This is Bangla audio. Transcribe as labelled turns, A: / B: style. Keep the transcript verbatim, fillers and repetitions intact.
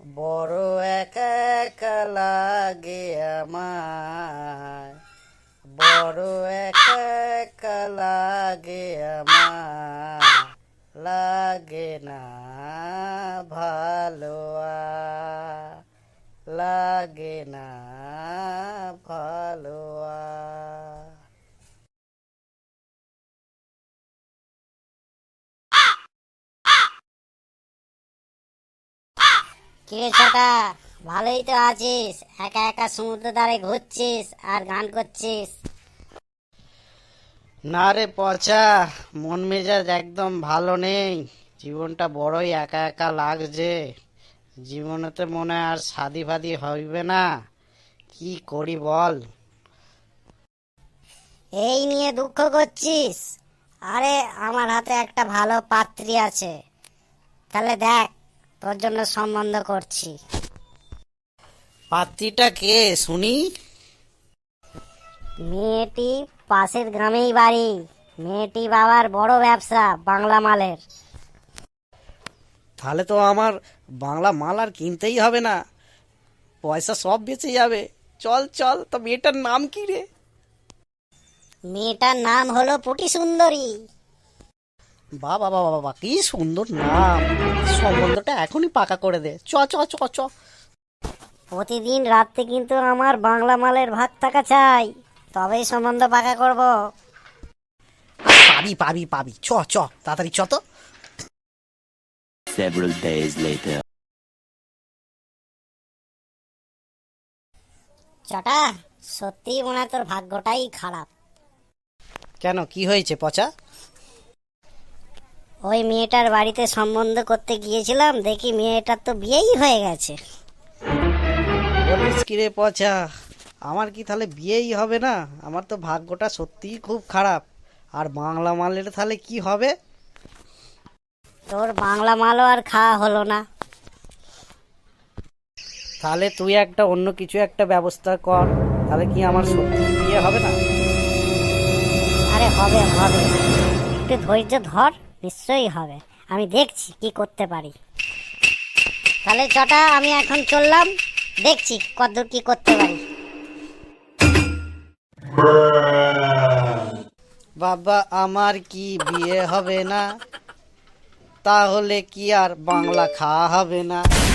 A: বড় একা একা লাগে আমায়, বড় একা একা লাগে আমায়, লাগে না ভালো আর, লাগে না ভালো আর।
B: কিরে ছোটা, ভালোই তো আছিস? একা একা সমুদ্র ধারে ঘুরছিস আর গান করছিস।
A: না রে পচা, মন মেজাজ একদম ভালো নেই। জীবনটা বড়ই একা একা লাগছে। জীবনেতে মনে হয় আর শাদি ফাদি হইবে না। কি করি বল?
B: এই নিয়ে দুঃখ করছিস? আরে আমার হাতে একটা ভালো পাত্রী আছে, তাহলে দেখ, তোর জন্য সম্বন্ধ করছি।
A: পাত্রীটা কে শুনি?
B: মেয়েটি পাশের গ্রামেই বাড়ি। মেয়েটি বাবার বড় ব্যবসা বাংলা মালের।
A: তাহলে তো আমার বাংলা মাল আর কিনতেই হবে না, পয়সা সব বেঁচে যাবে। চল চল, তো মেয়েটার নাম কি রে?
B: মেয়েটার নাম হলো পুটি সুন্দরী।
A: বাবা বাবা বাবা, কি সুন্দর নাম! সম্বন্ধটা এখনই পাকা করে দে। চ চ চ চ।
B: প্রতিদিন রাত্রে কিন্তু আমার বাংলা মালের ভাগ টাকা চাই, তবেই সম্বন্ধ পাকা করব।
A: পাবি পাবি পাবি, চ চ তাড়াতাড়ি চ তো।
C: Several days later.
B: চটা, সত্যি মনে হয় তোর ভাগ্যটাই খারাপ।
A: কেন, কি হয়েছে পচা?
B: ওই মেয়েটার বাড়িতে সম্বন্ধ করতে গিয়েছিলাম, দেখি মেয়েটার তো বিয়েই হয়ে গেছে।
A: বলিস কি রে পচা, আমার কি তাহলে বিয়েই হবে না? আমার তো ভাগ্যটা সত্যিই খুব খারাপ। আর বাংলা মালের তাহলে কি হবে?
B: তোর বাংলা মালও আর খাওয়া হলো না।
A: তাহলে তুই একটা অন্য কিছু একটা ব্যবস্থা কর, তাহলে কি আমার সত্যি বিয়ে হবে না?
B: আরে হবে হবে, একটু ধৈর্য ধর, নিশ্চয়ই হবে। আমি দেখছি কি করতে পারি। তাহলে চটা, আমি এখন চললাম, দেখছি কতদূর কি করতে পারি।
A: বাবা, আমার কি বিয়ে হবে না? তাহলে কি আর বাংলা খাওয়া হবে না?